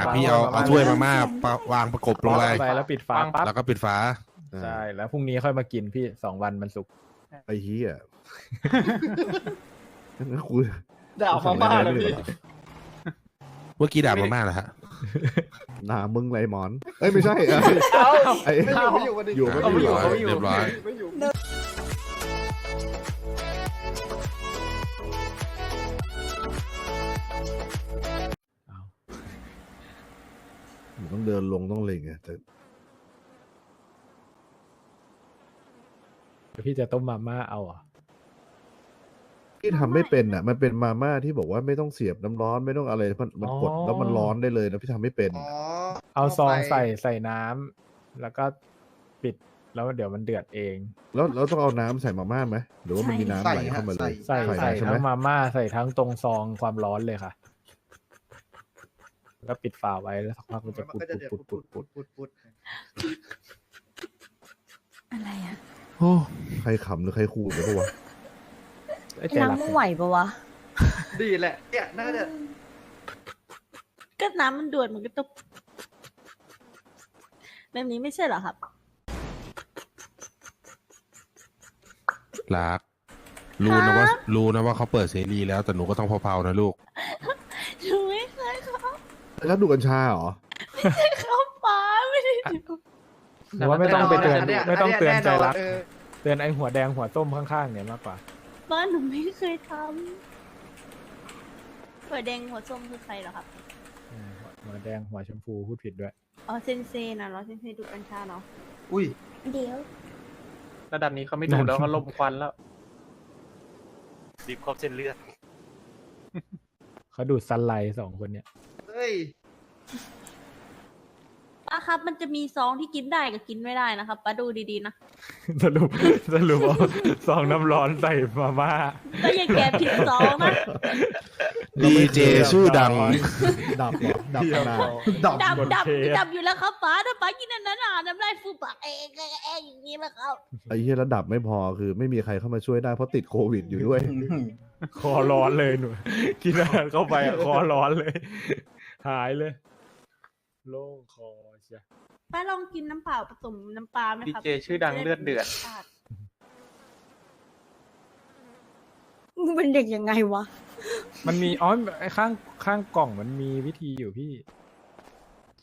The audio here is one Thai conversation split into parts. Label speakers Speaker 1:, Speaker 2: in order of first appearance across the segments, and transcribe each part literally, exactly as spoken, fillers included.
Speaker 1: พี่เอาเอาถ้วยมาม่าวางประกบลงไป
Speaker 2: ไปแล้วปิดฝาปั๊บ
Speaker 1: แล้วก็ปิดฝา
Speaker 2: ใช่แล้วพรุ่งนี้ค่อยมากินพี่สองวันมันสุก
Speaker 3: ไอ้เหี้ยงั้นกู
Speaker 4: ด่ามาม่าเลยพี่
Speaker 1: เมื่อกี้ด่ามาม่าเหรอฮะ
Speaker 3: หนามึงไรหมอน เอ้ยไม่ใช่เอ้ย
Speaker 4: เอ้า
Speaker 3: ไอ้
Speaker 4: ไม่อยู่ไม่อยู่วันนี้
Speaker 3: อยู่ไม่
Speaker 4: เอาไม่อยู่
Speaker 3: อยู่
Speaker 4: เอาไม่อยู่
Speaker 1: เรียบร้อย
Speaker 4: ไม่อยู่
Speaker 3: มึงต้องเดินลงต้องเล็งไงแต่
Speaker 2: เดี๋ยวพี่จะต้มมาม่าเอาอ่ะ
Speaker 3: ที่ทำไม่เป็นอ่ะ มันเป็นมาม่าที่บอกว่าไม่ต้องเสียบน้ำร้อนไม่ต้องอะไรมันมันกดแล้วมันร้อนได้เลยนะพี่ทำไม่เป็น
Speaker 4: อ๋อ
Speaker 2: เอาซอง
Speaker 4: ไป
Speaker 2: ใส่ใส่น้ำแล้วก็ปิดแล้วเดี๋ยวมันเดือดเอง
Speaker 3: แล้วเราต้องเอาน้ำใส่มาม่าไหมหรือว่ามันมีน้ำไหลเข้ามาเลย
Speaker 2: ใส่ใส่
Speaker 3: ใช่ไหม
Speaker 2: ทั้งมาม่าใส่ทั้งตรงซองความร้อนเลยค่ะแล้วก็ปิดฝาไว้แล้วสักพักมันจะ
Speaker 4: มัน
Speaker 2: ปุด
Speaker 4: ก็จะเดือด
Speaker 2: ปุดปุด
Speaker 4: ปุ
Speaker 2: ปุ
Speaker 4: ด
Speaker 2: ด
Speaker 4: ปุดปุด
Speaker 5: อะไรอะ
Speaker 3: โอ้ใครขำหรือใครขู่กันปะวะ
Speaker 2: ไอ้ใจ
Speaker 5: น้ำ
Speaker 2: รัก
Speaker 5: มึงไหวปะวะ
Speaker 4: ดีแหละเนี่ยน่าจะ
Speaker 5: ก็น้ำมันด่วนมันก็ต้องแบบนี้ไม่ใช่เหรอครับ
Speaker 1: รัก รู้นะว่ารู้นะว่าเขาเปิดเสรีแล้วแต่หนูก็ต้องเผาๆนะลูก
Speaker 5: หนูไม่เคยเข้า
Speaker 3: แล้วดูกัญชาเหรอ
Speaker 5: เข้าป่าไม่ได้ดู
Speaker 2: หรือว่าไม่ต้องไปเตือน
Speaker 4: ย
Speaker 2: ไม่ต้องเตือนใจรัก
Speaker 4: เออ
Speaker 2: เตือนไอ้หัวแดงหัวส้มข้างๆเนี่ยมากกว่า
Speaker 5: บ้านหนูไม่เคยทำหัวแดงหัวส้มคือใครเหรอครับ
Speaker 2: อืมหัวแดงหัวชมพูพูดผิดด้วย
Speaker 5: อ๋อเซนเซนะเหรอเซนเซดูกัญชาเนาะ
Speaker 4: อุ้ย
Speaker 5: เดี๋ยว
Speaker 6: ระดับนี้เขาไม่ดูแล้วเขาลมควันแล้ว
Speaker 7: รีบครบเส้นเลือด
Speaker 2: เขาดูดซันไลท์สองคนเนี่ย
Speaker 4: เฮ้ย
Speaker 5: ป้าครับมันจะมีซองที่กินได้กับกินไม่ได้นะครับป้าดูดีๆนะ
Speaker 2: สรุปสรุปเอาซองน้ำร้อนใส่มาม่า
Speaker 5: ก็อย่าแกะผิดซองนะ
Speaker 1: ดีเจชื่อดัง
Speaker 3: ดับเหรอดับขนาด
Speaker 4: ดับ
Speaker 5: ดับ
Speaker 2: คน
Speaker 5: ดับ
Speaker 2: เทส
Speaker 5: ดับอยู่แล้วครับป้าถ้าป้ากินอันนั้นอ่ะน้ำลายฟูปากเองเองเองอย่างนี้แหละครับ
Speaker 3: ไอ้เหี้ยระดับไม่พอคือไม่มีใครเข้ามาช่วยได้เพราะติดโควิดอยู่ด้วย
Speaker 2: คอร้อนเลยหนูกินอาหารเข้าไปอะคอร้อนเลย หายเลย โล่งคอเชีย
Speaker 5: ป้าลองกินน้ำเปล่าผสมน้ำปลาไหม
Speaker 6: ดี
Speaker 5: ครับ
Speaker 6: เจชื่อดังเลือดเดือด
Speaker 5: มึงเป็นเด็กยังไงวะ
Speaker 2: มันมีอ๋อไอ้ข้างข้างกล่องมันมีวิธีอยู่พี่
Speaker 6: ใช่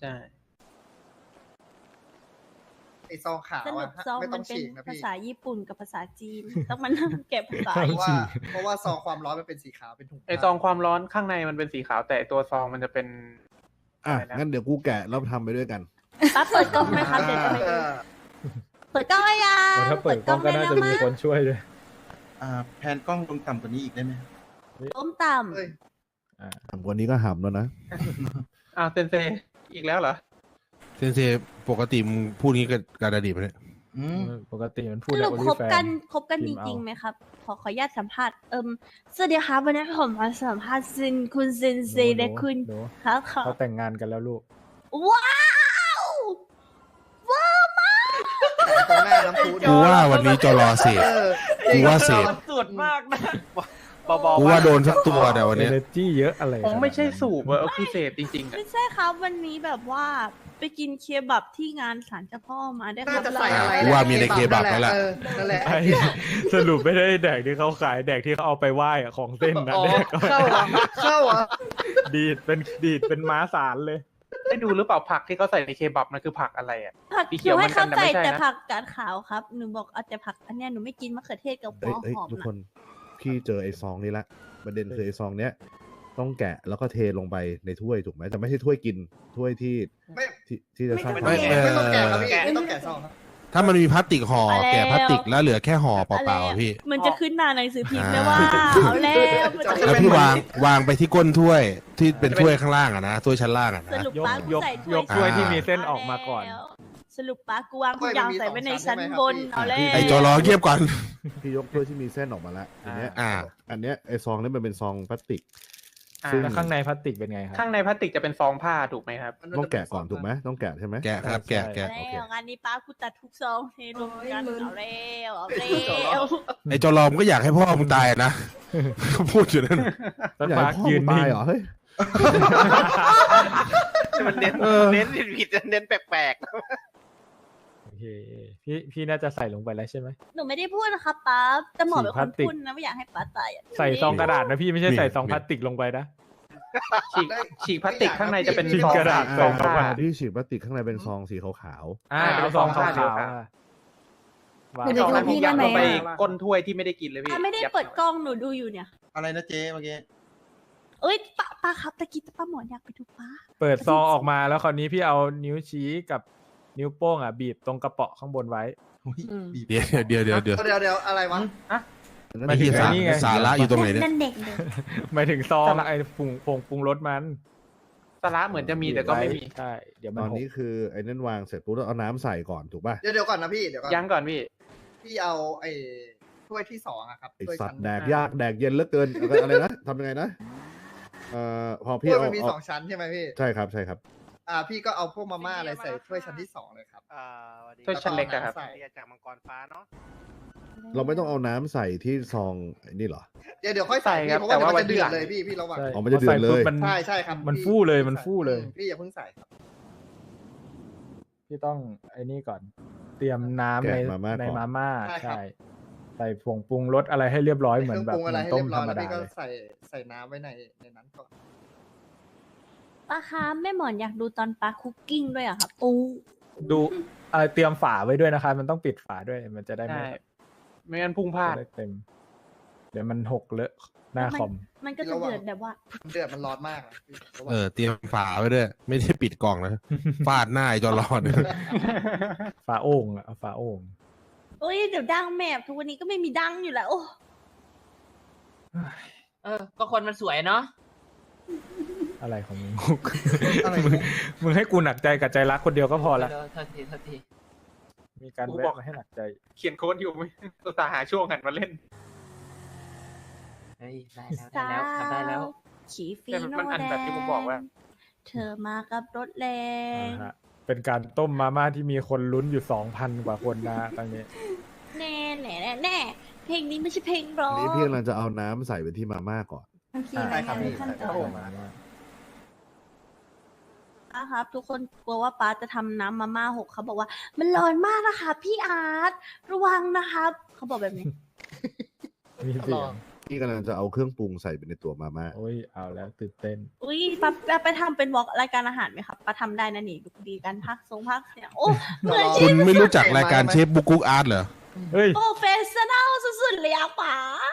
Speaker 4: ไอซองขาว
Speaker 5: สรุ
Speaker 4: อะ
Speaker 5: ปซอง
Speaker 4: ไม่ต้
Speaker 5: มั
Speaker 4: อน ง
Speaker 5: เป็น
Speaker 4: ฉีกนะ
Speaker 5: ภา
Speaker 4: พี่
Speaker 5: ษาญี่ปุ่นกับภาษาจีน ต้องมานั่งเก็บภาษา
Speaker 2: ใช่
Speaker 4: เพราะว่าเพราะว่าซองความร้อนมันเป็นสีขาวเป็นถุง
Speaker 6: ไอซองความร้อนข้างในมันเป็นสีขาวแต่ตัวซองมันจะเป็น
Speaker 3: อ่ะ
Speaker 6: อะไรนะ
Speaker 3: งั้นเดี๋ยวกูแกะแล้วทำไปด้วยกัน
Speaker 5: ป้าเปิดกล้องไหมครับเดี๋ยวจะไป
Speaker 4: เอ
Speaker 5: ดู
Speaker 4: อ
Speaker 5: เปิดกล้องเลยยัง
Speaker 2: แต่ถ้าเปิดกล้องก็น่าจะมีคนช่วยด้วย
Speaker 7: อ่า แพนกล้องลงต่ำกว่านี้อีกได้ไหม
Speaker 5: ต้มต่
Speaker 4: เฮ้ย
Speaker 3: ทำกว่านี้ก็หำแล้วนะ
Speaker 6: อ้าวเซนเซอีกแล้วเหรอ
Speaker 1: เซนเซปกติมึงพูดงี้กับการอดีตไหมเนี่ย
Speaker 7: อืม
Speaker 2: ปกติมัน
Speaker 5: ำ
Speaker 2: พูด
Speaker 5: ส
Speaker 2: แล้
Speaker 5: รุ
Speaker 2: ว
Speaker 5: ป
Speaker 2: โอลิ
Speaker 5: คบ
Speaker 2: แฟ
Speaker 5: กัน
Speaker 2: น
Speaker 5: คบกัน
Speaker 2: พิ
Speaker 5: จ
Speaker 2: มพ์เอา
Speaker 5: ริงๆไหมครับ ขอขออนุญาตสัมภาษณ์เอิมสวัสดีครับวันนี้ผมมาสัมภาษณ์ซินคุณเซนเซ
Speaker 2: หนู
Speaker 5: และคุณ
Speaker 2: หนู
Speaker 5: ครับขอ
Speaker 2: เขาแต่งงานกันแล้วลูก
Speaker 5: ว้าวว้าวมาก
Speaker 4: ตรงหน้าน้ำพุ
Speaker 1: กูว่าวันนี้จรอเสพ
Speaker 4: เออ
Speaker 1: กูว่าเสพ
Speaker 6: สุดมากนะเบา
Speaker 1: กูว่าโดนสักตัวแต่วัน
Speaker 2: เอ
Speaker 1: เนี้ย
Speaker 2: เนจีเยอะอะไร
Speaker 6: ๆผมไม่ใช่สูบอะเอาคือเสพจริงๆอะ
Speaker 5: ไม่ใช่ครับวันนี้แบบว่าไปกินเคบับที่งานศาลเจ้าพ่อมาได้ค
Speaker 4: น่า
Speaker 5: รับ
Speaker 4: จะใส่อะไร
Speaker 1: กูว่ามีในเคบับแล้วแหละ
Speaker 4: เออนั่นแหละ
Speaker 2: ไอ้สรุปไม่ได้แดกที่เขาขายแดกที่เขาเอาไปไหว้อะของเส้นนะ
Speaker 4: อ๋อ
Speaker 2: แดกก็
Speaker 4: เข้าอ่ะเข้าอ่ะ
Speaker 2: ดีดเป็นดีดเป็นม้าสารเลย
Speaker 6: ได้ดูหรือเปล่าผักที่เขาใส่ในเคบับมันคือผักอะไรอะ
Speaker 5: ผัก
Speaker 6: สีเขี
Speaker 5: เขี
Speaker 6: ย
Speaker 5: ยว ว
Speaker 6: เหมื
Speaker 5: ให้
Speaker 6: อนกั
Speaker 5: เข้าน
Speaker 6: แต่
Speaker 5: ใจ
Speaker 6: ไม่ใช่นะ
Speaker 5: แต่ผักกาดขาวครับหนูบอกเอาแต่ผักอันเนี้ยหนูไม่กินมะเขือเทศกับหั
Speaker 3: เอ้
Speaker 5: วย
Speaker 3: เอ้ย
Speaker 5: หอม
Speaker 3: ทุก
Speaker 5: นะ
Speaker 3: คนพี่เจอไอ้ซองนี้ละประเด็นคือไอ้ซองเนี้ยต้องแกะแล้วก็เทลงไปในถ้วยถูกไหมแต่ไม่ใช่ถ้วยกินถ้วยที่
Speaker 4: ไม่
Speaker 3: ที่ที่จะสร้าง
Speaker 1: ไม่
Speaker 3: ความ
Speaker 1: เออ
Speaker 4: ไม่ต้องแกะครับพี่ไม่ต้องแกะซองครับ
Speaker 1: ถ้ามันมีพลาสติกห่อแกะพลาสติกแล้วเหลือแค่ห่อเปล่าๆอะพี่
Speaker 5: มันจะขึ้นหน้าหนังสือพิมพ์ได้
Speaker 1: อ่า
Speaker 5: ว่าเอาแล้วมันจะ
Speaker 1: แล้วพี่วางวางไปที่ก้นถ้วยที่เป็นถ้วยข้างล่างอะนะถ้วยชั้นล่างอะ
Speaker 5: ส
Speaker 1: นะ
Speaker 5: รุป
Speaker 2: ยก
Speaker 5: ป้ากู
Speaker 2: ยก
Speaker 5: ใส่
Speaker 2: ยกถ้วยที่มีเส้นออกมาก่อน
Speaker 5: แล้วสรุปป้ากูวางทุกอย่างใส่ไว้ในชั้นบนเอาแล้ว
Speaker 1: ไอจอรอเงียบก่อน
Speaker 3: พี่ยกถ้วยที่มีเส้นออกมาละทีเนี้ย
Speaker 1: อ่า
Speaker 3: อันเนี้ยไอ้ซองนี้มันเป็นซองพลาสติก
Speaker 6: อ่า
Speaker 3: ซึ่ง
Speaker 2: แล้วข้างในพลาสติกเป็นไงครับ
Speaker 6: ข้างในพลาสติกจะเป็นซองผ้าถูกไหมครับ
Speaker 3: ต้องแกะก่อนถูกไหมต้องแกะใช่ไหม
Speaker 1: แกะครับแกะ
Speaker 5: เอา
Speaker 1: แกะ
Speaker 5: แล้วงานนี้ป้ากูตัดทุกซองเทรวมกันเอาแล้วเอาแล้ว
Speaker 1: ไอจอรอมก็อยากให้พ่อมึงตายนะ พูดอยู่นั่น
Speaker 2: แล้ว
Speaker 3: อยาก
Speaker 2: ปา
Speaker 3: ให้
Speaker 2: ร์ค
Speaker 3: พ่อ
Speaker 2: ยื
Speaker 3: มึ
Speaker 2: น
Speaker 3: ง
Speaker 2: นิ่
Speaker 3: ตาย
Speaker 2: ง
Speaker 3: เหรอเฮ้ย
Speaker 7: มันเน้น
Speaker 3: เออ
Speaker 7: เน้นผิดๆเน้นแปลก
Speaker 2: โอเคพี่พี่น่าจะใส่ลงไปแล้วใช่ไหม
Speaker 5: หนูไม่ได้พูดนะคะป๊าแต่หมอเป็น
Speaker 2: สี
Speaker 5: ค
Speaker 2: พลาน สติก
Speaker 5: พูดนะไม่อยากให้ป๊าตายอะ
Speaker 2: ใส่ซองกระดาษนะพี่ไม่ใช่ใส่ซองพลาสติกลงไปนะ
Speaker 6: ฉีกฉีกพลาสติกข้างในจะเป็น
Speaker 2: ฉีก
Speaker 6: ซอง
Speaker 2: กระดาษ
Speaker 6: ซอง
Speaker 2: ใส่
Speaker 6: ผ้า
Speaker 2: เข้าไป
Speaker 3: ที่ฉีดพลาสติกข้างในเป็นซองสีขาว
Speaker 2: อ่า
Speaker 6: อ่า
Speaker 2: เอาซองขาว
Speaker 6: เดี๋ยว
Speaker 2: ๆ
Speaker 6: ค่ะ
Speaker 2: อ่ะวาง
Speaker 5: หนู
Speaker 6: ซอง
Speaker 5: ดู
Speaker 6: นั้นผม
Speaker 5: พี่
Speaker 6: ยัด
Speaker 5: ได้ไหม
Speaker 6: ลงไป
Speaker 5: อะ
Speaker 6: ก้นถ้วยที่ไม่ได้กินเลยพี่
Speaker 5: อ่ะไม่ได้
Speaker 6: ยั
Speaker 5: เปิดกล้องหนูดูอยู่เนี่ย
Speaker 7: ๆอะไรนะเจ๊เมื่อกี้
Speaker 5: เอ้ยป้าป้าครับตะกี้ป้าหมอนอยากไปดูป้า
Speaker 2: เปิดซองออกมาแล้วคราวนี้พี่เอานิ้วชี้กับนิ้วโป้งอ่ะบีบตรงกระเปาะข้างบนไว้
Speaker 7: บีบ
Speaker 1: เดี๋ยวเดี๋ยวเดี๋ยวเดี๋ยว
Speaker 4: เดี๋ยวเดี๋ยวอะไรวะ
Speaker 3: ๆ
Speaker 2: ไม่ถึง
Speaker 1: สา
Speaker 2: ไอ้นี่ไง
Speaker 1: สาระอยู่ตรงไหนเนี่ย
Speaker 5: นั่นเด็กเลย
Speaker 2: หมายถึงซองไอ้ผงผงปรุงรสมัน
Speaker 6: สาระเหมือนจะมีแต่ก็ไม่มี
Speaker 2: ใช่เดี๋ยวมั
Speaker 3: ต
Speaker 2: น
Speaker 3: อน
Speaker 2: หก
Speaker 3: นี้คือไอ้นั่นวางเสร็จปุ๊บแล้วเอาน้ำใส่ก่อนถูกป่ะ
Speaker 4: เดี๋ยวเดี๋ยวก่อนนะพี่เดี๋ยวก่อน
Speaker 6: ยังก่อนพี่
Speaker 4: พี่เอาไอ้ถ้วยที่สองอะครับ
Speaker 3: ไอ
Speaker 4: ถ้วย
Speaker 3: สัต
Speaker 4: ชั้น
Speaker 3: ว์แดกยากแดกเย็นเหลือเกินอะไรอะไรนะทำยังไงนะเอ่อพอ
Speaker 4: ถ้
Speaker 3: พี่
Speaker 4: วย
Speaker 3: เอา
Speaker 4: มันมี
Speaker 3: เอา
Speaker 4: สองชั้นใช่ไหมพี่
Speaker 3: ใช่ครับใช่ครับ
Speaker 4: อ่าพี่ก็เอาพวกมาม่าอะไรใส่ถ้วยชั้นที่สองเลยครับ
Speaker 7: อ่าสวัสดี
Speaker 6: ถ้วยชั้นเล็กอะครับ
Speaker 4: ใส่
Speaker 7: เรียกจากมังกรฟ้าเนาะ
Speaker 3: เราไม่ต้องเอาน้ำใส่ที่ซองไอ้นี่เหรอ
Speaker 4: เดี๋ยวเดี๋ยวค่อยใส่
Speaker 6: ใส่ครับ
Speaker 4: พี่เพราะว่า
Speaker 6: แต่
Speaker 4: เดี๋ยว
Speaker 6: ว่า
Speaker 4: มันจะเดือด
Speaker 6: วันที่หลัง
Speaker 4: เลยพี่พี่ระวัง
Speaker 2: ใช่
Speaker 3: อ๋อมันจะเดือดเลย
Speaker 2: พอใส่ปุ๊บมัน
Speaker 4: ใช่ใช่ครับ
Speaker 2: มัน
Speaker 4: พี่
Speaker 2: ฟู่เลย
Speaker 4: พี่
Speaker 2: มัน
Speaker 4: ใส่
Speaker 2: ฟู่เลย
Speaker 4: อืมพี่อย่าเพิ่งใส่ครับ
Speaker 2: พี่ต้องไอ้นี่ก่อน เตรียมน้ำใน
Speaker 3: แกะมาม่า
Speaker 2: ใน
Speaker 3: ก่อน
Speaker 2: มาม่า
Speaker 4: ใช่ครับ
Speaker 2: ใช่ใส่ผงปรุงรสอะไรให้เรียบร้อยเหมือน
Speaker 4: เครื่อง
Speaker 2: แบบ
Speaker 4: ปรุงอะไร
Speaker 2: เหมือน
Speaker 4: ให้
Speaker 2: ต้
Speaker 4: เรี
Speaker 2: ม
Speaker 4: ยบ
Speaker 2: ธ
Speaker 4: ร้
Speaker 2: ร
Speaker 4: อย
Speaker 2: รม
Speaker 4: แล้ว
Speaker 2: ดา
Speaker 4: พี่ก็
Speaker 2: เลย
Speaker 4: ใส่ใส่น้ำไว้ในในนั้นก่อน
Speaker 5: ป้าคะแม่หมอนอยากดูตอนป้าคุกกิ้งด้วยอะครับโอ้
Speaker 2: ดูเอ่อเตรียมฝาไว้ด้วยนะคะ มันต้องปิดฝาด้วยมันจะได้ไม่
Speaker 6: ใช่ไม่งั้นพุ่งพลาด
Speaker 2: จะได้เต็ม เดี๋ยวมันหกเลอะหน้าคอม
Speaker 5: มันก็จะเดือดแบบว่า
Speaker 4: เดือดมันร้อนมากนะพี่ระวัง
Speaker 1: เออเตรียมฝาไว้ด้วย ไม่ได้ปิดกล่องนะ ฟาดหน้าไอ้จอรอด
Speaker 2: ฝาโอ่งอะเอาฝาโอ่ง
Speaker 5: โอ้ยเดี๋ยวดังแมบทุกวันนี้ก็ไม่มีดังอยู่แล้วโอ้
Speaker 8: เออ ก็คนมันสวยเนาะ
Speaker 2: อะไรของมึง
Speaker 4: อะไร
Speaker 2: มึงมึงให้กูหนักใจกับใจรักคนเดียวก็พอละ
Speaker 8: เออโทษทีโทษที
Speaker 2: มีการ
Speaker 6: กู
Speaker 2: แวะ
Speaker 6: บอก
Speaker 2: มาให้หนักใจ
Speaker 6: เขียนโค้ดอยู่ไม่ตัวตาห์หาช่วงหันมาเล่น
Speaker 8: เฮ้ย ได้แล้วได้แล้วทำได้แล้ว
Speaker 5: ขีฟี
Speaker 6: แต่
Speaker 5: โน
Speaker 6: มันอัน
Speaker 5: แด
Speaker 6: แบบที่ผมบอกว่า
Speaker 5: งเธอมากับรถแรง
Speaker 2: นะฮะเป็นการต้มมาม่าที่มีคนลุ้นอยู่สองพันกว่าคนนะฮะตอนนี้
Speaker 5: แน่แน่แน่แน่เพลงนี้ไม่ใช่เพลงร้อ
Speaker 3: อัน
Speaker 5: ง
Speaker 3: นี้พี่กำลังจะเอาน้ำใส่ไปที่มาม่าก่อน
Speaker 5: มันคือ
Speaker 4: ใช่ครับพี่
Speaker 5: ขั้นต
Speaker 4: ใส่
Speaker 5: อน
Speaker 4: เข้ามา
Speaker 5: ป้าครับ ทุกคนกลัวว่าป้าจะทำน้ำมาม่าหกเขาบอกว่า มันร้อนมากนะคะ พี่อาร์ตระวังนะครับเขาบอกแบบนี้
Speaker 2: มีเสียง
Speaker 3: พี่กำลังจะเอาเครื่องปรุงใส่ไปในตัวมาม่า
Speaker 2: โอ้ยเอาแล้วตื่นเต้น
Speaker 5: อุ้ยป้าป้าไปทำเป็นวอล์กรายการอาหารไหมครับป้าทำได้นะนี่ดูดีกันพักทรงพักเนี่ยโอ้เหมือน
Speaker 1: คุ
Speaker 5: ชี
Speaker 1: ณ
Speaker 5: พ
Speaker 1: ไม่รู้จักรายการเชฟบุกกุ๊กอาร์ตเหรอ
Speaker 2: เฮ้ย
Speaker 5: โปรเฟสชั่นอลสุดๆเลยอะป๋าร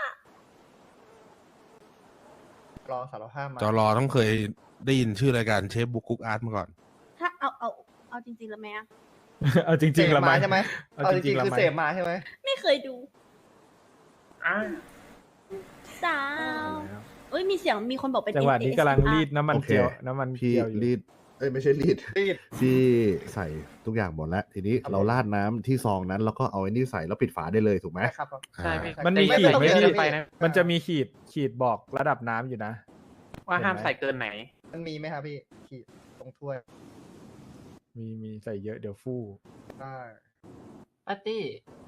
Speaker 4: อสารภาพมา
Speaker 1: จอรอต้องเคยได้ยินชื่อรายการเชฟบุกกุ๊กอาร์ตมาก่อน
Speaker 5: ถ้าเอาเอาเอาจริงๆแล้วไหมอะ
Speaker 2: เอาจ
Speaker 4: เส
Speaker 2: ริง
Speaker 4: พ
Speaker 2: ๆละไหม
Speaker 4: มาใช่ไหม
Speaker 2: เอา
Speaker 4: เอา
Speaker 2: จ
Speaker 4: จ
Speaker 2: ริ
Speaker 4: ริ
Speaker 2: ง
Speaker 4: ง
Speaker 2: ๆละ
Speaker 4: ๆคือ
Speaker 2: ไหม
Speaker 4: เสพมาใช่ไหม
Speaker 5: ไม่เคยดู
Speaker 6: อ่า
Speaker 5: สาวเอ้ยมีเสียงมีคนบอกเป็น
Speaker 2: จังหวะนี้กำลังรีดน้ำมัน
Speaker 3: โอเค
Speaker 2: เจียวน้ำมัน
Speaker 3: พี่
Speaker 2: เจียวอยู่
Speaker 3: รีดเอ้ยไม่ใช่รีด
Speaker 4: รีด
Speaker 3: พี่ใส่ทุกอย่างหมดแล้ว ทีนี้
Speaker 4: ครับ
Speaker 3: เราราดน้ำที่ซองนั้น แล้วก็เอาไอ้นี่ใส่แล้วปิดฝาได้เลยถูกไหม
Speaker 4: ใช่ครับ
Speaker 6: ใช่พี่
Speaker 2: มันมี
Speaker 6: แต่
Speaker 2: ขีด
Speaker 6: อย่า
Speaker 2: ไหม
Speaker 6: ใส่
Speaker 2: พี่
Speaker 6: เกินไปนะ
Speaker 2: มันจะมีขีดขีดบอกระดับน้ำอยู่นะ
Speaker 6: ว่าห้ามใส่เกินไหน
Speaker 4: มันมีไหมครับพี่ขีดตรงถ้วย
Speaker 2: มีมีใส่เยอะเดี๋ยวฟู่
Speaker 4: ได้
Speaker 8: ปาร์ตี้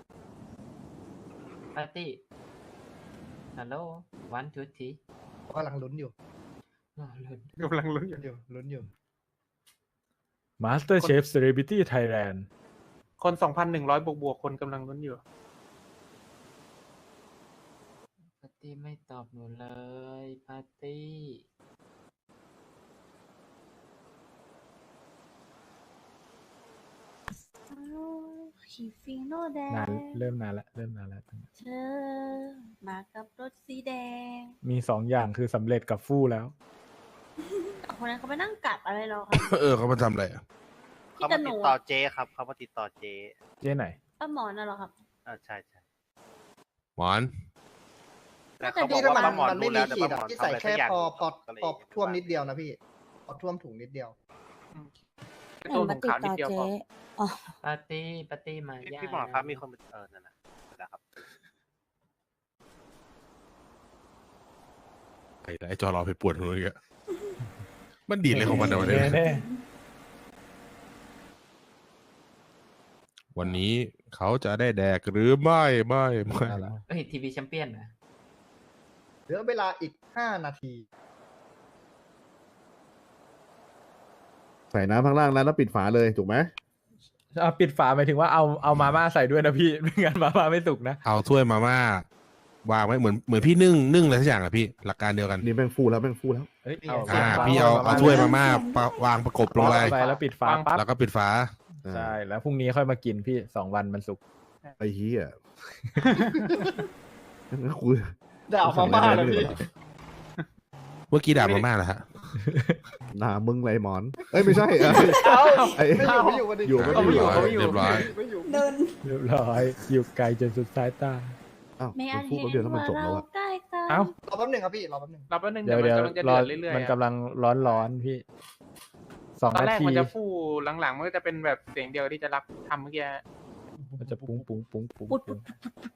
Speaker 8: ปาร์ตี้ ฮัลโหล วันทูที
Speaker 4: กำลังลุ้นอยู่
Speaker 8: รอลุ้น
Speaker 6: กำลังลุ้นอยู่
Speaker 4: ลุ้นอยู่ลุ้นอยู่
Speaker 2: Master Chef Celebrity Thailand
Speaker 6: คนสองพันหนึ่งร้อยบวกบวกๆคนกำลังลุ้นอยู่
Speaker 8: ปาร์ตี้ไม่ตอบหนูเลย ปาร์ตี้
Speaker 5: ขีฟีโนแดง
Speaker 2: นานเริ่มนานละเริ่มนานละ
Speaker 5: เธอมากับรถสีแดง
Speaker 2: มีสองอย่างคือสำเร็จกับฟู่แล้ว
Speaker 5: แต่คนนั้นเขาไปนั่งกัดอะไรเราครับ
Speaker 1: เออเขามาทำอะไรอะ
Speaker 5: พี่
Speaker 7: เขา
Speaker 5: ตะ
Speaker 7: มา
Speaker 5: ห
Speaker 7: ติ
Speaker 5: นู
Speaker 7: ดต่อเจ๊ครับเขามาติดต่อเจ๊
Speaker 2: เจ๊ไหน
Speaker 5: ป้าหมอน่ะเหรอครับ
Speaker 7: อ่าใช่ใช่
Speaker 1: หมอน
Speaker 7: แต่
Speaker 4: แต่
Speaker 7: เขาบอ
Speaker 4: พี่
Speaker 7: ก
Speaker 4: ถ้า
Speaker 7: ว่า
Speaker 4: มัน
Speaker 7: ป้าหมอน
Speaker 4: มันไม่
Speaker 7: รู้
Speaker 4: มี
Speaker 7: แล้วแต่
Speaker 4: ขีด
Speaker 7: ป้าหม
Speaker 4: อ่ะ
Speaker 7: อน
Speaker 4: พี่
Speaker 7: ทำ
Speaker 4: ใส่
Speaker 7: อะไรสั
Speaker 4: แค่
Speaker 7: กอย่าง
Speaker 4: พอพอ
Speaker 7: ก็เลย
Speaker 4: พอท่วมนิดเดียวนะพี่พอท่วมถุงนิดเดียว
Speaker 6: เป็นตัวของขาวนิดเดียวพอ
Speaker 8: ปาร์ตี้ ปาร์ตี้มา
Speaker 7: พี่
Speaker 8: ย่า
Speaker 7: พี่หมอนครับมีคนเออนั่นนะนะครับ
Speaker 1: ไอ้ไอ้จอรอไปปวดหัวอีกอะมันดีดเลยของมันนะวันนี้
Speaker 2: แน่
Speaker 1: วันนี้เขาจะได้แดกหรือไม่ไม่ไม่
Speaker 2: ๆเอาละ
Speaker 8: เอ้ย ทีวีแชมเปี้ยนนะ
Speaker 4: เหลือเวลาอีกห้านาที
Speaker 3: ใส่น้ำข้างล่างแล้วแล้วปิดฝาเลยถูกไหม
Speaker 2: เอาปิดฝาหมายถึงว่าเอาเอามาม่าใส่ด้วยนะพี่ ไม่งั้นมาม่าไม่สุกนะ
Speaker 1: เอาถ้วยมาม่าวางไว้เหมือนเหมือนพี่นึ่งนึ่งอะไรสักอย่างอะพี่หลักการเดียวกัน
Speaker 3: นี่แม่งฟูแล้วแม่งฟูแล้ว
Speaker 2: เฮ้ยเอา
Speaker 1: อ่า
Speaker 2: ฝ
Speaker 1: พี่เอาเอาถ้วยมาม่าปะวางประกบลงไป
Speaker 2: ไปแล้วปิดฝาปั๊บ
Speaker 1: แล้วก็ปิดฝา
Speaker 2: ใช่แล้วพรุ่งนี้ค่อยมากินพี่สองวันมันสุก
Speaker 3: ไอ้เหี้ยงั้นกู
Speaker 4: ด่ามาม่าเลยพี่
Speaker 1: เมื่อกี้ด่ามาม่าเหรอฮะ
Speaker 3: ด่ามึงไรหมอน เอ้ยไม่ใช่เอ้ย
Speaker 4: เอ้า
Speaker 3: ไอ้
Speaker 4: ไม่อยู่ไม่อยู่วันนี้
Speaker 3: อยู่ไม่
Speaker 6: เขาไม่อยู่
Speaker 3: อยู่
Speaker 6: เขาไม่อยู่
Speaker 1: เรียบร้อย
Speaker 4: ไม่อยู่
Speaker 5: เดิน
Speaker 2: เรียบร้อยอยู่ไกลจนสุดสายตา
Speaker 3: อ้าว
Speaker 5: ไม่
Speaker 3: มั
Speaker 5: อาน จ
Speaker 3: พูด
Speaker 5: เห็
Speaker 3: แป๊บ
Speaker 5: น
Speaker 3: เดียวแล้วมัน
Speaker 5: ว่า
Speaker 3: จบแล้ว
Speaker 5: เรา
Speaker 3: อะ
Speaker 5: ใกล้กัน
Speaker 2: เอ้า
Speaker 4: รอแป๊บหนึ่งครับพี่รอแป๊บหนึ่ง
Speaker 6: รับแป๊บนึง
Speaker 2: เดี๋ยว
Speaker 6: เดี๋
Speaker 2: เดี๋
Speaker 6: ย
Speaker 2: ยว ว
Speaker 6: มันกำลังจะ
Speaker 2: ร้
Speaker 6: เดื
Speaker 2: อ
Speaker 6: อน ดเรื่อย
Speaker 2: มัน
Speaker 6: ๆ
Speaker 2: กำ
Speaker 6: อะ
Speaker 2: ลังร้อนร้อนพี่ สอง
Speaker 6: ตอน
Speaker 2: นา
Speaker 6: แรก
Speaker 2: ที
Speaker 6: มันจะฟู่หลังๆมันก็จะเป็นแบบเสียงเดียวที่จะรับทำเมื่อกี้
Speaker 2: มันจะปุ้งปุ้งปุ้งปุ้ง
Speaker 5: ปุ๊ด
Speaker 2: ปุ้ง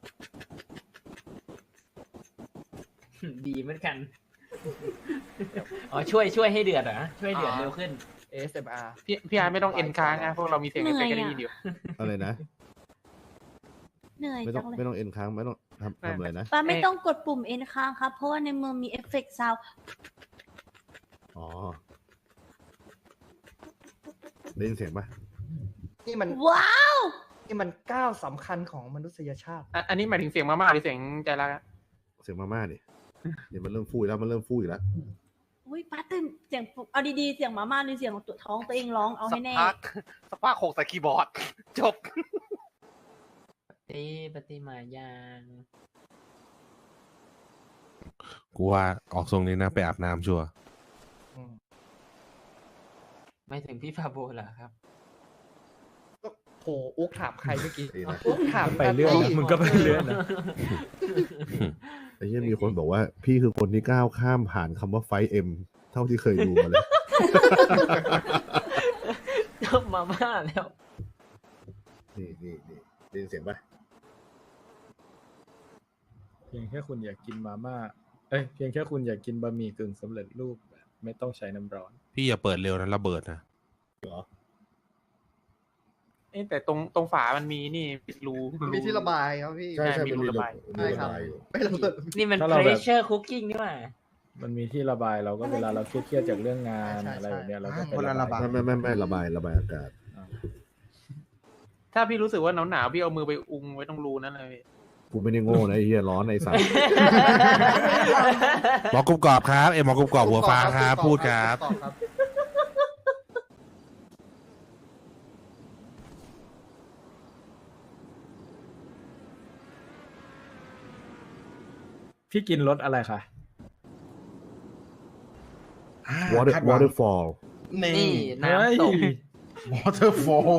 Speaker 8: ดีเหมือนกัน อ๋อช่วยช่วยให้เดือดเหรอช่วยเดือดเร็วขึ้น
Speaker 4: เอสเอ็มอาร์
Speaker 6: พี่พี่อาร์ตไม่ต้องเอ็นค้างนะพวกเรามีเสียงเอฟเฟกต์ก็ได้ยินอยู่
Speaker 3: อะไรนะ
Speaker 5: เหนื่อย
Speaker 3: ไม่ต้
Speaker 5: จั
Speaker 3: อง
Speaker 5: งเลย
Speaker 3: ไม่ต้องเอ็นค้างไม่ต้องทำทำอะไรนะ
Speaker 5: ป้าไม่ต้องกดปุ่มเอ็นค้างครับ เพราะว่าในเมืองมีเอฟเฟกต์ซาว
Speaker 3: อ๋อได้ยินเสียงปะ
Speaker 4: นี่มัน
Speaker 5: ว้าว
Speaker 4: นี่มันก้าวสำคัญของมนุษยชาติ
Speaker 6: อ่ะอันนี้หมายถึงเสียงมาม่าหรือเสียงใจรักอะ
Speaker 3: เสียงมาม่าดิเดี๋ยวมันเริ่มฟูอีกแล้วมันเริ่มฟูอีกแล้ว
Speaker 5: อุ้ยป้าตื่นเสียงปุ๊บเอาดีๆเสียงหมาม่าหรือเสียงของตัวท้องตัวเองร้องเอา
Speaker 7: สั
Speaker 5: ให้
Speaker 7: ก
Speaker 5: แน่
Speaker 7: พักสักพักโขกใส่คีย์บอร์ด จบ
Speaker 8: ตีปฏิมายาง
Speaker 1: กูว่าออกทรงนี้นะไปอาบน้ำชัวร์
Speaker 8: ไม่ถึงพี่ฟาโบเหรอครับ
Speaker 4: โหอุ๊กถามใครเมื่อกี้
Speaker 3: ไอ้นะ
Speaker 4: อุ๊กถาม
Speaker 2: ไปเรื่อยนะมึงก็ไปเรื่อยนะ
Speaker 3: ไอ้เหี้ยมีคนบอกว่าพี่คือคนที่ก้าวข้ามผ่านคำว่าไฟเอ็มเท่าที่เคยดูมาเลย
Speaker 8: จบมาม่าแล้ว
Speaker 3: นี่นี่นี่ได้ยินเสียงปะ
Speaker 2: เพียงแค่คุณอยากกินมาม่า เอ้ย เพียงแค่คุณอยากกินบะหมี่กึ่งสำเร็จรูปแบบไม่ต้องใช้น้ำร้อน
Speaker 1: พี่อย่าเปิดเร็วนะระเบิดนะ
Speaker 6: เอ๊ะแต่ตรงตรงฝามันมีนี่รู
Speaker 4: มีที่ระบายครับพี่
Speaker 3: ใช่ใช่
Speaker 6: มี
Speaker 3: เป็น
Speaker 6: รู
Speaker 3: รู
Speaker 6: ระบาย
Speaker 3: มีระบายอยู่
Speaker 4: ไม่ระเบิด
Speaker 8: นี่มัน
Speaker 2: ถ้าเราแบบ
Speaker 8: pressure cooking นี่หว่า
Speaker 2: มันมีที่ระบายเราก็เวลาเราเครียดๆจากเรื่องงาน
Speaker 4: ใช่ใช่
Speaker 2: อะไรแบบเนี้ยเราก็ไป
Speaker 4: คนละระบาย
Speaker 3: ไม่ไม่ไม่ไม่ระบายระบายอากาศ
Speaker 6: ถ้าพี่รู้สึกว่าหนาวหนาวๆพี่เอามือไปอุงไว้ตรงรูนั่นเลย
Speaker 3: กูไม่ได้โง่นะไอ้เหี้ยร้อนไอ้สัส
Speaker 1: หมอกรุบกรอบครับเอ็มหมอกรุบกรอบหัวฟ้าครับพูดครับ
Speaker 4: ตอบครับ
Speaker 2: พี่กินรสอะไรคะ
Speaker 3: water waterfall
Speaker 8: นี่น้ำตก
Speaker 2: waterfall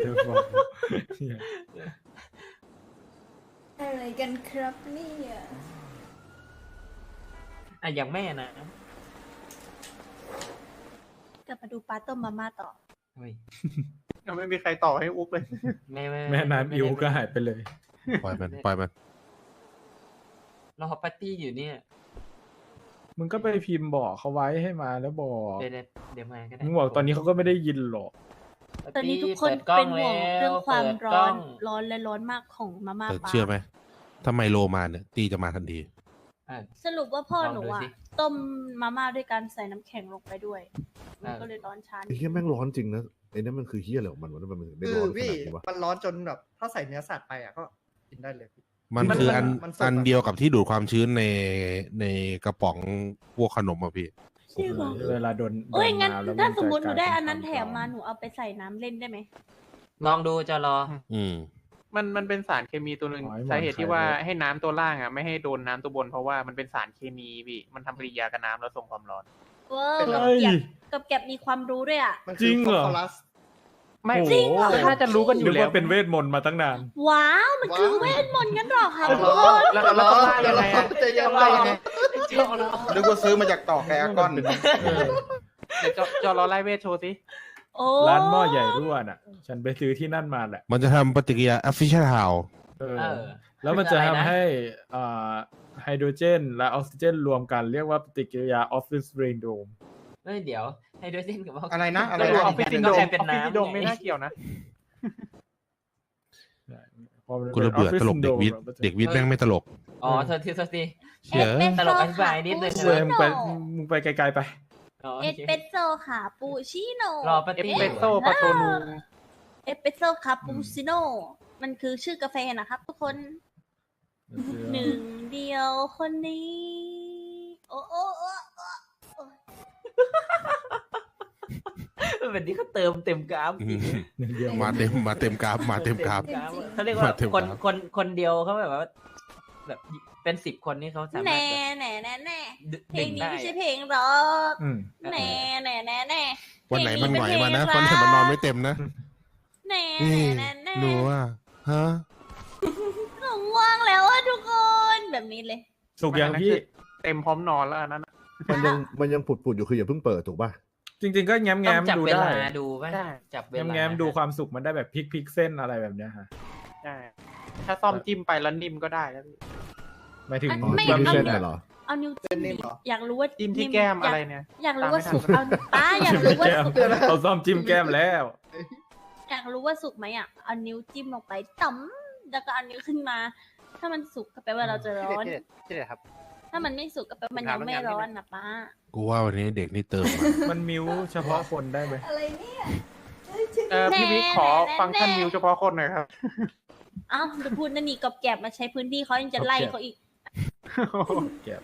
Speaker 5: อะไรกันครับเนี่ย
Speaker 8: อ่ะอย่างแม่นะ
Speaker 5: กลับมาดูป้าต้มมาม่าต่อ
Speaker 8: เฮ้ย
Speaker 6: ยังไม่มีใครต่อให้อุ๊กเลย
Speaker 8: ไม่ไม่
Speaker 2: แม่น้ำอิวก็หายไปเลย
Speaker 1: ปล่อยมันปล่อยมัน
Speaker 8: รอปาร์ตี้อยู่เนี่ย
Speaker 2: มึงก็ไปพิมพ์บอกเขาไว้ให้มาแล้วบอก
Speaker 8: เดี๋ยวเดี๋ยวมาก็ได้
Speaker 2: มึงบอกตอนนี้เขาก็ไม่ได้ยินหรอก
Speaker 5: ตอนนี้ทุกคน
Speaker 8: ปิดกล้
Speaker 5: เป็
Speaker 8: อน
Speaker 5: ห่วง
Speaker 8: แล้
Speaker 5: เรื่องความ
Speaker 8: เปิด
Speaker 5: ร้
Speaker 8: ก
Speaker 5: อ
Speaker 8: ล้
Speaker 5: น ร้อนและร้อนมากของมาม่า
Speaker 1: แต่
Speaker 5: ป้า
Speaker 1: เชื่อไหมถ้าไมโลมาเนี่ยตีจะมาทันที
Speaker 8: อ่ะ
Speaker 5: สรุปว่าพ่อ
Speaker 8: ลอง
Speaker 5: หนู
Speaker 8: ดู
Speaker 5: อ่ะ
Speaker 8: สิ
Speaker 5: ต้มมาม่าด้วยการใส่น้ำแข็งลงไปด้วยมัน
Speaker 8: อ่า
Speaker 5: ก็เลยร้อนช้า
Speaker 3: ไอ้เหี้ยแม่งร้อนจริงนะไอ้นั่นมันคือเหี้ยอะไรของมันวะมันถึงได้
Speaker 4: คื
Speaker 3: ร้
Speaker 4: อ
Speaker 3: อนข
Speaker 4: พี่
Speaker 3: นาดนี้วะ
Speaker 4: มันร้อนจนแบบ ถ้าใส่เนื้อสัตว์ไปอ่ะก็กินได้เลยพี่
Speaker 1: มัน
Speaker 4: มัน
Speaker 1: คืออัน
Speaker 4: มันสด
Speaker 1: อัน
Speaker 4: อะ
Speaker 1: เดียวกับที่ดูดความชื้นในในกระป๋องพวกขนมอะพี่
Speaker 5: จริงเหรอ
Speaker 2: เวลาโดน
Speaker 5: โอ้ย
Speaker 2: โด
Speaker 5: งั้น
Speaker 2: ำแล้ว
Speaker 5: ถ้า
Speaker 2: จะ
Speaker 5: สมมติหนูได้
Speaker 2: กลยเป็
Speaker 5: อันนั้น
Speaker 2: คว
Speaker 5: แถมมา
Speaker 2: ร้อน
Speaker 5: หนูเอาไปใส่น้ำเล่นได้ไหม
Speaker 8: ลองดูจะรอ
Speaker 1: อืม
Speaker 6: มันมันเป็นสารเคมีตัวหนึ่ง
Speaker 2: อ๋อไอ้หมอน
Speaker 6: สาเหตุที่ว่า
Speaker 2: ไข่เลย
Speaker 6: ให้น้ำตัวล่างอ่ะไม่ให้โดนน้ำตัวบนเพราะว่ามันเป็นสารเคมีพี่มันทำปฏิกิริยากับน้ำแล้วส่งความร้อน
Speaker 5: เวอร์
Speaker 4: เป็น
Speaker 5: กับ
Speaker 2: เฮ้ย
Speaker 5: แก็บกับแก็บมีความรู้ด้วยอ่ะ
Speaker 4: มัน
Speaker 2: จริงเหรอ
Speaker 4: ฟสฟรัส
Speaker 6: ไม่
Speaker 2: โอ้โห
Speaker 6: จริงเหรอน่าจะรู้กันอ
Speaker 2: นึ
Speaker 6: ยู่
Speaker 2: ก
Speaker 6: แล้ว
Speaker 2: ว่าเป็นเวทมนต์มาตั้งนาน
Speaker 5: ว้าว มันคือ
Speaker 4: ว้าว
Speaker 5: เวทมนต์งั้นเหรอคะ
Speaker 4: เอา
Speaker 5: ทุ
Speaker 4: เหร
Speaker 5: ก
Speaker 4: อ
Speaker 5: คน
Speaker 6: แล้วแล้วต้องล่ายังไงอะ
Speaker 4: จะยังไงยังไง
Speaker 9: นึกว่าซื้อมาจากต่อแกก้อน
Speaker 6: เดี๋ยวจอจอรอไล่เวทโชว์สิ
Speaker 5: โอ้
Speaker 2: ร้านหม้อใหญ่รั่วน่ะ ฉันไปซื้อที่นั่นมาแหละ
Speaker 1: มันจะทำปฏิกิริยา official house
Speaker 2: เออ
Speaker 8: เออ
Speaker 2: แล้วมันจะ
Speaker 8: คืออะไรนะ
Speaker 2: ทำให้อ่าไฮโดรเจนและออกซิเจนรวมกันเรียกว่าปฏิกิริยาออฟฟิศเรนโดม
Speaker 8: เฮ้ยเดี๋ยวไฮโดรเจนกับ
Speaker 9: อะไรนะอะไร
Speaker 6: ก็รู้
Speaker 9: นะ
Speaker 6: ออฟฟิศซินโดรม
Speaker 8: เป็
Speaker 6: อน อฟฟิศ
Speaker 8: น้ำ
Speaker 6: ซินโดรม
Speaker 8: ไง
Speaker 6: ไม่น่าเกี่ยวนะ
Speaker 1: กูระเบื่อตลกเด็กวิทย์เด็กวิทย์แม่งไม่ตลก
Speaker 8: อ๋อโทษทีโทษที
Speaker 1: เชื่อ
Speaker 5: เอสเปรส
Speaker 8: ตล
Speaker 5: โซ่
Speaker 8: กอธิบายนิดนึง
Speaker 5: ค่ะ
Speaker 2: เว้ยมึงไปมึงไปไกลๆไป
Speaker 8: อ๋อ
Speaker 5: เอ
Speaker 8: โอ
Speaker 5: ส
Speaker 8: เค
Speaker 5: เปรสโซ่คาปูชิโน่
Speaker 8: รอปา
Speaker 6: เอส
Speaker 8: ตี้
Speaker 6: เปรสโซ่ปาโตนู
Speaker 5: เอสเปรสโซ่คาปูชิโน่มันคือชื่อกาแฟนะครับทุกคน หนึ่งเดียวคนนี้ โอ้โอ้โอ้โอ้
Speaker 8: แบบนี้เขาเติมเต็มกราฟ
Speaker 1: อืม
Speaker 2: หนึ่งเดียว
Speaker 1: มาเต็มมาเต็มกราฟมาเต็มกราฟ
Speaker 8: เขาเรียกว่า
Speaker 1: มาเต็ม
Speaker 8: คน
Speaker 1: กราฟ
Speaker 8: คนคนเดียวเขาแบบว่า แบบเป็นสิบคนนี่เขาสามารถ
Speaker 5: แน่
Speaker 8: แบบ
Speaker 5: แน่แน่แน่
Speaker 8: ดึ
Speaker 5: เพล
Speaker 8: ดึ
Speaker 5: ง
Speaker 8: ง
Speaker 5: นี้
Speaker 8: ได้
Speaker 5: ไม่ใช่เพลงร็อก
Speaker 2: อืม
Speaker 5: แน่แน่แน่แน่
Speaker 1: วันไหนมันหงอย
Speaker 5: เพล
Speaker 1: มานะ
Speaker 5: เพล
Speaker 1: วัน
Speaker 5: ง
Speaker 1: ไหนมันนอนไม่เต็มนะ
Speaker 5: แน่
Speaker 1: นี่
Speaker 5: แน่แน่
Speaker 1: หนูอ่ะฮะ
Speaker 5: หนูง่วงแล้วอะทุกคน แบบนี้เลย
Speaker 2: สุกยังพี่
Speaker 6: เต็มพร้อมนอนแล้วอันนั้นน่ะ
Speaker 3: มันยังมันยังผุดๆอยู่คืออย่าเพิ่งเปิดถูกป่ะ
Speaker 2: จริง ๆ ก็แง้ม
Speaker 8: ต้
Speaker 2: แง้
Speaker 8: อง
Speaker 2: ม
Speaker 8: จับ
Speaker 2: ดู
Speaker 8: เว
Speaker 2: ได้
Speaker 8: ลาดูไหม
Speaker 6: ได้
Speaker 8: จับเว
Speaker 2: แง้ม
Speaker 8: ลา
Speaker 2: แง้มดูความสุกมันได้แบบพลิกพลิกเส้นอะไรแบบเนี้ยฮะ
Speaker 6: ใช่ถ้าซ่อมจิ้มไปแล้วนิ่มก็ได้แล้วพี่
Speaker 2: หมายถึง
Speaker 3: อ๋อ
Speaker 5: ไม่
Speaker 3: ที่
Speaker 2: แบบ
Speaker 3: ไม่
Speaker 5: เอา
Speaker 3: เส้นน่ะเหรอ
Speaker 5: เอานิ้วจิ้ม
Speaker 4: นิ่มเหรอ
Speaker 5: อยากรู้ว่า
Speaker 6: จิ้มที่
Speaker 5: นิ่
Speaker 6: แก้ม
Speaker 5: ยา
Speaker 6: อะไรเนี่ย
Speaker 5: อยากรู้ว่า
Speaker 6: ตามไม่ทัน
Speaker 5: สุกเอาป้าอยากรู้ว่า
Speaker 2: แก้ม
Speaker 5: สุก
Speaker 2: เอาซ่อมจิ้มแก้มแล้ว
Speaker 5: อยากรู้ว่าสุกไหมอ่ะเอานิ้วจิ้มลงไปต่ำแล้วก็เอานิ้วขึ้นมา ถ้ามันสุกก็แปลว่าเราจะร้อน
Speaker 7: ที่เด็ดที่เด็ดครับ
Speaker 5: ถ้ามันไม่สุกก็แปลว่ามันยังไม่ร้อนนะป้า
Speaker 1: กูว่าวันนี้เด็กนี่เติมมา
Speaker 2: มันมิวเฉพาะคนได้ไหม
Speaker 5: อะไรเนี่ย
Speaker 6: เออพี่วิกขอฟังก์ชันมิวเฉพาะคนหน่อยครับ
Speaker 5: เอ้าจะพูดนั่นนี่กอบแกบมาใช้พื้นที่เขายังจะไล่เขาอีก
Speaker 2: เก็บ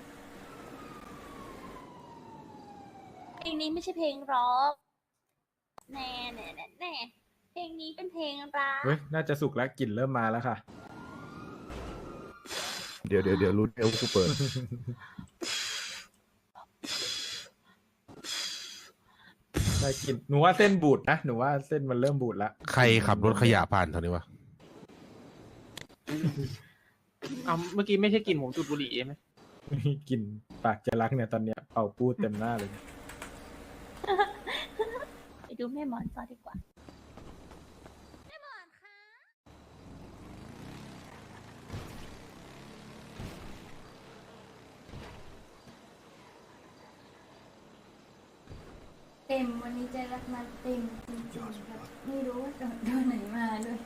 Speaker 5: เพลงนี้ไม่ใช่เพลงร็อกแน่แน่แน่แน่เพลงนี้เป็นเพลงรัก
Speaker 2: เฮ้ยน่าจะสุกแล้วกลิ่นเริ่มมาแล้วค่ะ
Speaker 3: เดี๋ยวเดี๋ยวเดี๋ยวรู้เดี๋ยวกูเปิด
Speaker 2: ได้กลิ่นหนูว่าเส้นบูดนะหนูว่าเส้นมันเริ่มบูดแล้ว
Speaker 1: ใครขับรถขยะผ่านเท่านี้วะ
Speaker 6: เอาเมื่อกี้ไม่ใช่กลิ่นผมจุดบุหรี่ไหม
Speaker 2: กลิ่นปากจะรักเนี่ยตอนเนี้ยเป่าปูดเต็มหน้าเลยเนี่ย
Speaker 5: ไปดูแม่หมอนต่อดีกว่าแม่หมอนคะ
Speaker 10: เต็มวันนี้ใจรักมาเต็มจริงๆครับไม่รู้ว่าจะโดนไหนมาด้วย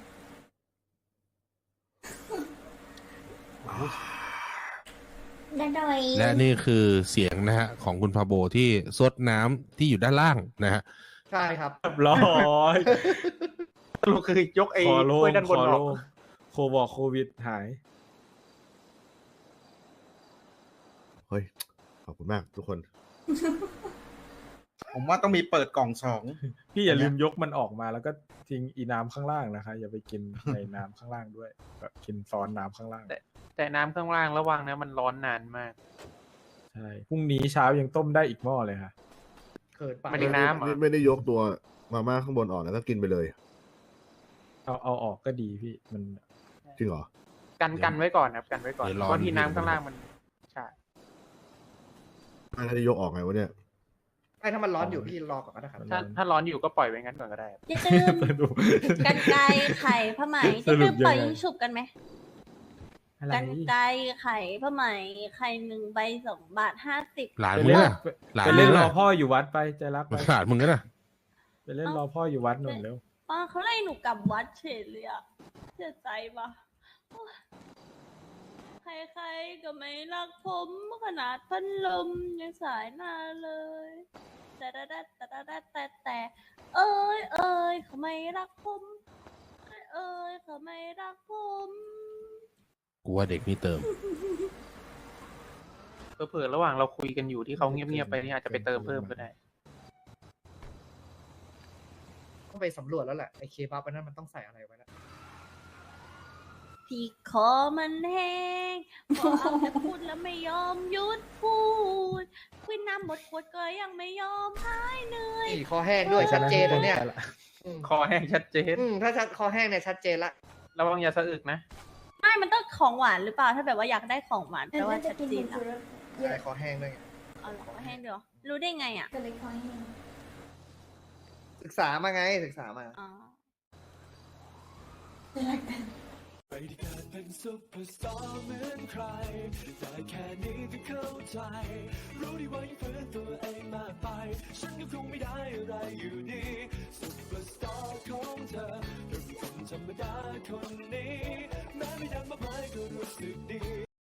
Speaker 10: ดันดอย
Speaker 1: และนี่คือเสียงนะฮะของคุณพาโบที่ซดน้ำที่อยู่ด้านล่างนะฮะ
Speaker 4: ใช่ครับ
Speaker 2: เรียบร้อย
Speaker 6: สรุปคือยกไอ้
Speaker 2: คอโล่
Speaker 6: ถ้วย
Speaker 2: ง
Speaker 6: ด้าน
Speaker 2: ค
Speaker 6: บน
Speaker 2: อ
Speaker 6: ออ
Speaker 2: โล่
Speaker 6: ก
Speaker 2: งโควอกโควิดหาย
Speaker 3: เฮ้ย ขอบคุณมากทุกคน
Speaker 9: ผมว่าต้องมีเปิดกล่องสอง
Speaker 2: พี่อย่าลืมยกมันออกมาแล้วก็ทิ้งอีน้ำข้างล่างนะคะ อย่าไปกินในน้ำข้างล่างด้วยแบบกินซ้อนน้ำข้างล่าง
Speaker 6: แต่น้ำข้างล่างระวังนะมันร้อนนานมาก
Speaker 2: ใช่พรุ่งนี้เช้ายังต้มได้อีกหม้อเลยค่ะ
Speaker 4: เขินปะ
Speaker 6: ไม่ได้น้ำเหรอ
Speaker 3: ไม่ไม่ได้ยกตัวมาม่าข้างบนออกแล้วก็กินไปเลย
Speaker 2: เอาเอาออกก็ดีพี่มัน
Speaker 3: จริงเหรอ
Speaker 6: กันกันไว้ก่อนครับกันไว้ก่อน
Speaker 1: เดี๋ยวร้อน
Speaker 6: เพราะที่น้ำข้างล่างมันใช่
Speaker 3: ไม่ได้ยกออกไงวะเนี่ย
Speaker 4: ไอ้ถ้ามันร้อนอยู่พี่รอก่อนก็ได้ครับ
Speaker 6: ถ้าถ้าร้อนอยู่ก็ปล่อยไว้งั้นก่อนก็ได้ครับ
Speaker 5: จะตื้ม
Speaker 2: สรุป
Speaker 5: กันไกรไข่ผ้าไหม
Speaker 2: ส
Speaker 5: จะ
Speaker 2: รุ
Speaker 5: ตื้
Speaker 2: ป
Speaker 5: ม
Speaker 2: ยังไง
Speaker 5: ปล่อยยิงฉุบกันไหม
Speaker 2: อะไร
Speaker 5: กันไกรไข่ผ้าไหมไข่หนึ่งใบสองบาทห้าสิบ
Speaker 1: หลาน
Speaker 2: ไป
Speaker 1: มึง
Speaker 2: เล่น
Speaker 1: อะหลาน
Speaker 2: ไป
Speaker 1: มึ
Speaker 2: เล่
Speaker 1: ง
Speaker 2: นรอ
Speaker 1: อะ
Speaker 2: พ่ออยู่วัดไปใจรักไป
Speaker 1: หลานมึงกันนะ
Speaker 2: ไปเล่นรอพ่ออยู่วัดหน่อยเร็ว
Speaker 5: ป้าเขาไล่หนูกลับวัดเฉยเลยอะเสียใจปะโอ๊ยใครๆก็ไม่รักผมขนาดพันลมยังสายหน้าเลยแต่แต่แต่แต่แต่แต่แต่เอ้ยเอ้ยเขาไม่รักผมเอ้ยเอ้ยเขาไม่รักผม
Speaker 1: กูว่าเด็กนี่เติม
Speaker 6: เผื่อๆระหว่างเราคุยกันอยู่ที่เขาเงียบๆไปนี่อาจจะไปเติมเพิ่มก็ได้
Speaker 4: ต้องไปสำรวจแล้วแหละไอ้เคบับอันนั้นมันต้องใส่อะไรไว้แล้ว
Speaker 5: ที่คอมันแห้งพอเอาแต่พูดแล้วไม่ยอมหยุดพูดคุยน้ำหมดขวดก็ยังไม่ยอมหายเหนื่อย
Speaker 4: นี่คอแห้งด้วยชัดเจนนะเนี่ยอืม
Speaker 6: คอแห้งชัดเจน
Speaker 4: อืมถ้าชัดคอแห้งเนี่ยชัดเจนละ
Speaker 6: ระวังอย่าสะอึกนะ
Speaker 5: ไม่มันต้องของหวานหรือเปล่า ถ้าแบบว่าอยากได้ของหวาน
Speaker 10: แต่
Speaker 5: แปลว่า
Speaker 10: ว่าจะ
Speaker 5: ชัด
Speaker 10: กิน
Speaker 5: เจ
Speaker 10: เป็น น
Speaker 5: อะ
Speaker 10: สุรสเย
Speaker 4: ไอ้
Speaker 10: อะ
Speaker 4: คอแห้งด้วยไง
Speaker 5: เอาเหรอให้เดี๋ยวรู้ได้ไงอ่ะ
Speaker 10: ก็เลยคอแห้ง
Speaker 4: ศึกษามาไงศึกษามา
Speaker 5: อ๋อ
Speaker 10: ใจรักกัน
Speaker 11: ไม่ได้เกิดเป็นซุปเปอร์สตาร์เหมือนใคร แต่แค่นี้ก็เข้าใจ รู้ดีว่ายังฝืนตัวเองมากไป ฉันก็คงไม่ได้อะไรอยู่ดีซุปเปอร์สตาร์ของเธอเป็นคนธรรมดาคนนี้ แม้ไม่ดังมากมายก็รู้สึกดี